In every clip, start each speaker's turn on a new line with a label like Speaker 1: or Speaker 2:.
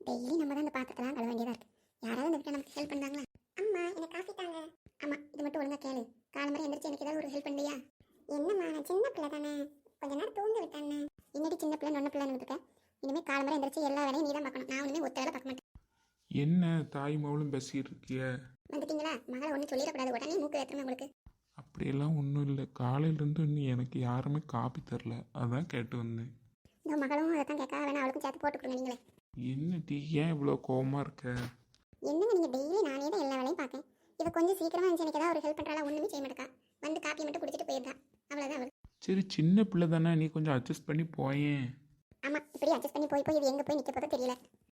Speaker 1: Daily நம்ம தான் இந்த பாத்திரத்தெல்லாம் கழுவ வேண்டியதாக இருக்குது. யாராவது இந்த வீட்டில் நமக்கு ஹெல்ப் பண்ணாங்களா? அம்மா எனக்கு காஃபி தாங்க. ஆமாம், இது மட்டும் ஒழுங்கா கேளு. காலை மாதிரி எந்திரிச்சு எனக்கு ஏதாவது ஒரு ஹெல்ப் பண்ணலையா? என்னம்மா, நான் சின்ன பிள்ளை தானே, கொஞ்ச நேரம் தூங்க விட்டானே. என்னடி சின்ன பிள்ளை நொன்ன பிள்ளைன்னு இருக்கேன். இனிமேல் காலை மாதிரி எந்திரிச்சு எல்லா வேலையும் நீ தான் பார்க்கணும். நான் ஒன்றுமே ஒத்த வேலை பார்க்க மாட்டேன்.
Speaker 2: என்ன தாய் மகளும் பேசிட்டு இருக்கிய?
Speaker 1: வந்துட்டீங்களா? மகளை ஒன்றும் சொல்லிடக்கூடாது, உடனே மூக்கு ஏற்றுமே உங்களுக்கு.
Speaker 2: அப்படியெல்லாம் ஒன்றும் இல்லை. காலையிலேருந்து இன்னும் எனக்கு யாருமே காப்பி தரல, அதான் கேட்டு வந்தேன்.
Speaker 1: இந்த மகளும் அதை தான் கேட்க வேணா, அவளுக்கும் சேர்த்து போட்டு கொடுங்க நீங்களே.
Speaker 2: என்ன டீ, ஏன் இவ்வளோ கோவமாக இருக்க?
Speaker 1: என்னங்க நீங்கள் டெய்லி நானே தான் எல்லா வேலையும் பார்க்கேன். இவ கொஞ்சம் சீக்கிரமாக இருந்துச்சு, எனக்கு ஏதாவது ஒரு ஹெல்ப் பண்ணுறாளா? ஒன்றுமே செய்ய மாட்டேக்கா. வந்து காப்பி மட்டும் குடிச்சிட்டு போயிருந்தா, அவ்வளோதான் அவள்.
Speaker 2: சரி, சின்ன பிள்ளை தானே, நீ கொஞ்சம் அட்ஜஸ்ட் பண்ணி போயேன்.
Speaker 1: ஆமாம், இப்படி அட்ஜஸ்ட் பண்ணி போய் இது எங்கே போய் நிற்க போதோ தெரியல.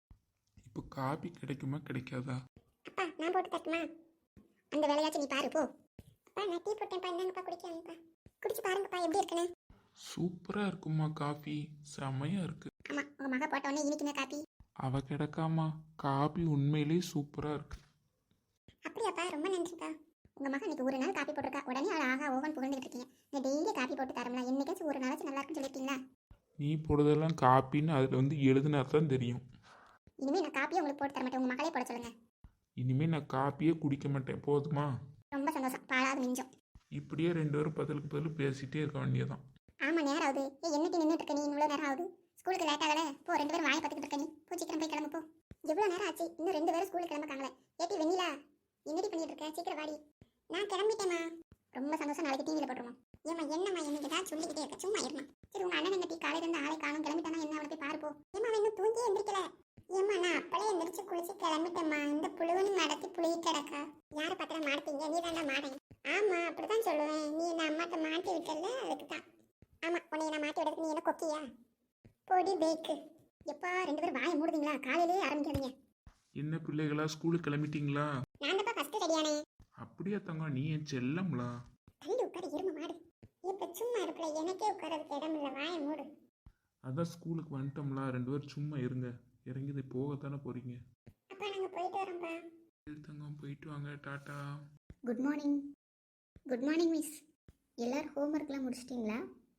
Speaker 2: இப்போ காப்பி கிடைக்குமா கிடைக்காதா?
Speaker 1: அப்பா நான் போட்டு தட்டுமா? அந்த வேலையாச்சும் நீ பாரு போ. அப்பா நான் டீ போட்டேன்ப்பா, இந்தாங்கப்பா குடிக்கலாம்ப்பா. குடிச்சு பாருங்கப்பா எப்படி இருக்குன்னு.
Speaker 2: சூப்பராக இருக்குமா காஃபி, செமையாக இருக்கு.
Speaker 1: ஆமாம், உங்கள் மக போட்ட உடனே இனிக்குமே காப்பி.
Speaker 2: அவ கிடக்காமா, காபி உண்மையிலேயே சூப்பராக இருக்கு.
Speaker 1: அப்படியாப்பா, ரொம்ப நன்றிப்பா. உங்கள் மகன் இன்னைக்கு ஒரு நாள் காப்பி போட்டிருக்கா, உடனே அவள் ஆகா ஓவன் புகழ்ந்துட்டு இருக்கீங்க. நீ டெய்லி காப்பி போட்டு தரம்ல, என்னைக்காச்சும் ஒரு நாளாச்சும் நல்லா இருக்குன்னு சொல்லிட்டீங்களா?
Speaker 2: நீ போடுறதெல்லாம் காப்பின்னு அதில் வந்து எழுதுனா தான் தெரியும்.
Speaker 1: இனிமேல் நான் காப்பியை உங்களுக்கு போட்டு தர மாட்டேன், உங்கள் மகளே போட சொல்லுங்க.
Speaker 2: இனிமேல் நான் காப்பியே குடிக்க மாட்டேன், போதுமா?
Speaker 1: ரொம்ப சந்தோஷம், பாலாவது மிஞ்சம்.
Speaker 2: இப்படியே 2 பேரும் பதிலுக்கு பதில் பேசிகிட்டே இருக்க வேண்டியதான்.
Speaker 1: ஆமாம், நேரம் ஆகுது. என்னட்டி நின்றுட்டு இருக்க நீ? இவ்வளோ நேரம் ஆகுது, ஸ்கூலுக்கு லேட் ஆகலை. போ, 2 பேரும் வாயை பார்த்துக்கிட்டு இருக்க நீ. போ சீக்கிரம் போய் கிளம்பு போ. எவ்வளோ நேரம் ஆச்சு, இன்னும் 2 பேரும் ஸ்கூலுக்கு கிளம்புக்காங்களே. ஏட்டி வெண்ணிலா, என்னடி பண்ணிட்டு இருக்க? சீக்கிரம் வாடி. நான் கிளம்பிட்டேம்மா. ரொம்ப சந்தோஷம், நாளைக்கு டிவியில் போட்டுருவோம். ஏம்மா என்னம்மா எனக்கு தான் சொல்லிக்கிட்டே இருக்க, சும்மா இருமா. சரி, உங்கள் அண்ணன் எங்கள் காலையில இருந்து ஆளை காணும், கிளம்பிட்டானா என்ன? அவனை போய் பாருப்போ. ஏம்மா இன்னும் தூங்கியே எந்திரிக்கல? ஏம்மா நான் அப்பளே எந்திரிச்சு குளிச்சு கிளம்பிட்டேம்மா. இந்த புழுவனு மடத்தி புளிய கிடக்கா. யாரை பார்த்தா மாட்டீங்க? நீ தாண்டா மாட்டேன். ஆமாம் அப்படிதான் சொல்லுவேன். நீ என்ன அம்மாட்ட மாட்டி விட்டல, அதுக்கு தான். ஆமாம், உன்னை நான் மாட்டி விடுறதுக்கு நீ என்ன கொக்கியா? பொடி பேக்கு. எப்பா 2 பேரும் வாயை மூடுவீங்களா? காலையிலேயே ஆரம்பிக்காதீங்க.
Speaker 2: என்ன பிள்ளைகளா, ஸ்கூலுக்கு கிளம்பிட்டீங்களா?
Speaker 1: நான் தான் ஃபர்ஸ்ட் ரெடியானே.
Speaker 2: அப்படியே தங்கம், நீ என் செல்லம்லா.
Speaker 1: தள்ளி உட்கார இரும மாடு. இப்ப சும்மா இருக்கல, எனக்கே உட்காரதுக்கு இடம் இல்லை, வாயை மூடு.
Speaker 2: அதான் ஸ்கூலுக்கு வந்துட்டோம்ல, 2 பேரும் சும்மா இருங்க. இறங்கி போகத்தானே போறீங்க.
Speaker 1: அப்பா நாங்க போயிட்டு வரோம்ப்பா.
Speaker 2: சரி தங்கம், போயிட்டு வாங்க, டாட்டா.
Speaker 1: Good morning. Good morning miss. எல்லாரும் ஹோம்ஒர்க்லாம் முடிச்சிட்டிங்களா?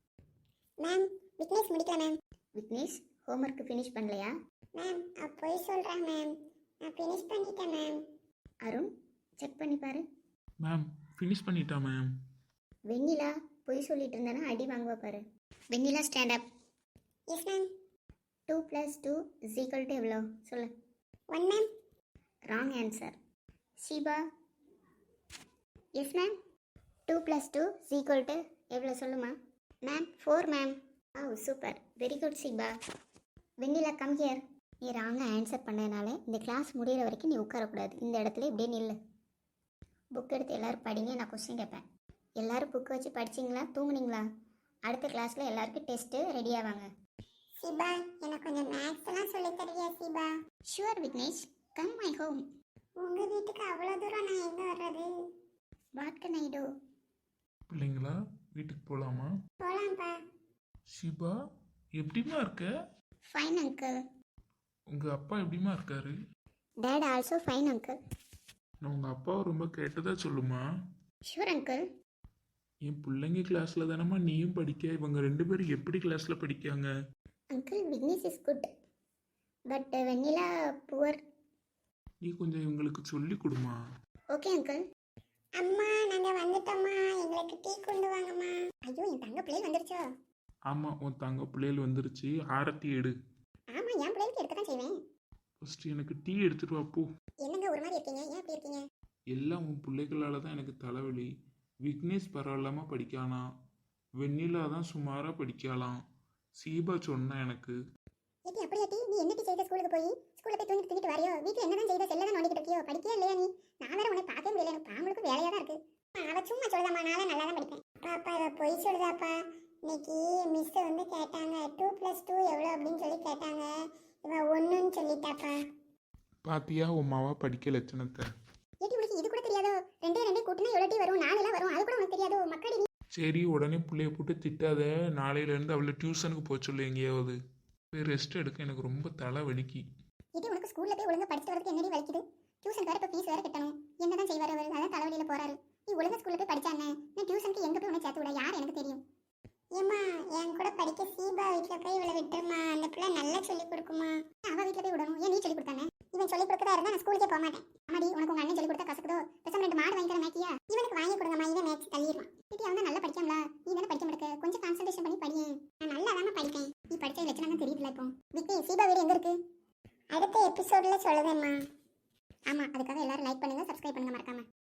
Speaker 1: மேம் விக்னேஷ் முடிக்கல மேம். விக்னேஷ் ஹோம்ஒர்க் ஃபினிஷ் பண்ணலையா? மேம் போய் சொல்கிறேன் மேம், நான் ஃபினிஷ் பண்ணிட்டேன் மேம். அருண் செக் பண்ணி பாரு.
Speaker 2: மேம் ஃபினிஷ் பண்ணிட்டா மேம்.
Speaker 1: வெண்ணிலா போய் சொல்லிட்டு இருந்தானா அடி வாங்குவா பாரு. Vennila stand up. Yes ma'am. 2 + 2 = எவ்வளோ சொல்லு. 1 ma'am. Wrong answer. Sheeba. Yes ma'am. 2 + 2 = எவ்வளோ சொல்லுமா? Ma'am 4 ma'am. Oh super, very good Sheeba. Vennila come here. நீ ராங்காக ஆன்சர் பண்ணதுனால இந்த கிளாஸ் முடிகிற வரைக்கும் நீ உட்காரக்கூடாது. இந்த இடத்துல இப்படியே நில்லு. புக் எடுத்து எல்லோரும் படிங்க, நான் கொஸ்டின் கேட்பேன். எல்லோரும் புக் வச்சு படிச்சிங்களா, தூங்குனீங்களா? அடுத்த கிளாஸில் எல்லாருக்கும் டெஸ்ட்டு ரெடி ஆவாங்க. சிபா எனக்கு கொஞ்சம் மேத்ஸ் எல்லாம் சொல்லி தருவியா Sheeba? Sure Vignesh, come my home. உங்க வீட்டுக்கு அவ்வளோ தூரம் நான் எங்க வர்றது? What can I do?
Speaker 2: பிள்ளைங்களா வீட்டுக்கு போகலாமா?
Speaker 1: போலாம்ப்பா.
Speaker 2: ஷிபா எப்படிமா இருக்க?
Speaker 1: Fine uncle.
Speaker 2: உங்கள் அப்பா எப்படிமா இருக்காரு?
Speaker 1: Dad also fine uncle.
Speaker 2: நான் உங்கள் அப்பாவை ரொம்ப கேட்டதா சொல்லுமா?
Speaker 1: Sure uncle.
Speaker 2: என் பிள்ளைங்க கிளாஸில் தானம்மா நீயும் படிக்க, இவங்க 2 பேரும் எப்படி கிளாஸில் படிக்காங்க?
Speaker 1: Uncle Vignesh is good but Vennila poor.
Speaker 2: நீ கொஞ்சம் இவங்களுக்கு சொல்லி கொடுமா.
Speaker 1: Okay uncle. அம்மா நாங்க வந்துட்டோம்மா, எங்களுக்கு டீ கொண்டு வாங்கம்மா. ஐயோ என் தங்க பிள்ளைகள் வந்துருச்சோ?
Speaker 2: ஆமாம், உன் தங்க பிள்ளைகள் வந்துருச்சு, ஆரத்தி எடு.
Speaker 1: ஆமா என் பிள்ளைகளுக்கு எடுக்க தான் செய்வேன்.
Speaker 2: ஃபஸ்ட்டு எனக்கு டீ எடுத்துட்டு வா போ.
Speaker 1: என்னங்க ஒரு மாதிரி இருக்கீங்க, ஏன் இப்படி இருக்கீங்க?
Speaker 2: எல்லாம் உன் பிள்ளைகளால் தான் எனக்கு தலைவலி. விக்னேஷ் பரவாயில்லாமல் படிக்கானா, வெண்ணிலா தான் சுமாராக படிக்கலாம். சீபா சொன்னா எனக்கு.
Speaker 1: ஏட்டி அப்படியா டி, நீ என்ன டி செய்த? ஸ்கூலுக்கு போய் ஸ்கூல்ல போய் தூங்கிட்டு வரையோ? வீட்டில் என்னதான் செய்த? செல்ல தான் நோண்டிக்கிட்டு இருக்கியோ? படிக்கவே இல்லையா நீ? நான் வேற உன்னை பார்க்கவே முடியல, எனக்கு பாம்பளுக்கு வேலையாக தான் இருக்கு. அவ சும்மா சொல்லுதாம்மா, நான் நல்லா தான் படிப்பேன். பாப்பா இவ பொய் சொல்லுதாப்பா. இன்னைக்கு மிஸ் வந்து கேட்டாங்க 2 + 2 எவ்வளோ அப்படின்னு சொல்லி கேட்டாங்க. இவ 1ன்னு சொல்லிட்டாப்பா.
Speaker 2: பாத்தியா உன் மாவா படிக்க லட்சணத்தை?
Speaker 1: ஏட்டி உனக்கு இது கூட தெரியாதோ? 2 2 கூட்டினா எவ்வளோ டி வரும்? 4 எல்லாம் வரும், அது கூட உனக்கு தெரியாதோ? மக்கடி நீ.
Speaker 2: சரி, உடனே பிள்ளைய போட்டு திட்டாத. நாளையிலேருந்து அவளை டியூஷனுக்கு போக சொல்லு எங்கேயாவது. போய் ரெஸ்ட் எடுக்க, எனக்கு ரொம்ப தலை வலிக்கு.
Speaker 1: ஏட்டி உனக்கு ஸ்கூல்ல போய் ஒழுங்கா படிச்சுட்டு வரதுக்கு என்னடி வலிக்குது? டியூஷன் வேற இப்போ ஃபீஸ் வேற கட்டணும். என்னதான் செய்வார் அவர்? அதான் தலைவலியில் போறாரு. நீ ஒழுங்கா ஸ்கூல்ல போய் படிச்சானே, நான் டியூஷனுக்கு எங்கே போய் உன்னை சேர்த்து விட? யார் எனக்கு தெரியும்? ஏம்மா என் கூட படிக்க சீபா வீட்டில் போய் இவளை விட்டுருமா, அந்த பிள்ளை நல்லா சொல்லி கொடுக்குமா. அவள் வீட்டில் போய் விடணும், ஏன் நீ சொல்லி கொடுத்தானே? சொல்லி கொடுக்கறதா இருந்தா நான் ஸ்கூலுக்கே போக மாட்டேன். அம்மாடி உனக்கு உங்க அண்ணன் சொல்லி கொடுத்தா கசக்குதோ, பேசாம 2 மாடு வாங்கி தர மேக்கியா, இவனுக்கு வாங்கி கொடுங்கம்மா, இவன் மேக்ஸ் தள்ளிடுவான். சிட்டி அவன் நல்லா படிக்காமலா, நீ தானே படிக்க மாட்டேக்க, கொஞ்சம் கான்சன்ட்ரேஷன் பண்ணி படியேன். நான் நல்லா தானே படிப்பேன், நீ படிச்ச லட்சணம் தான் தெரியுதுல. இப்போ விக்கி சீபா வீடு எங்க இருக்கு? அடுத்த எபிசோட்ல சொல்லுவேம்மா. ஆமா, அதுக்காக எல்லாரும் லைக் பண்ணுங்க, சப்ஸ்கிரைப் பண்ணுங்க மறக்காம.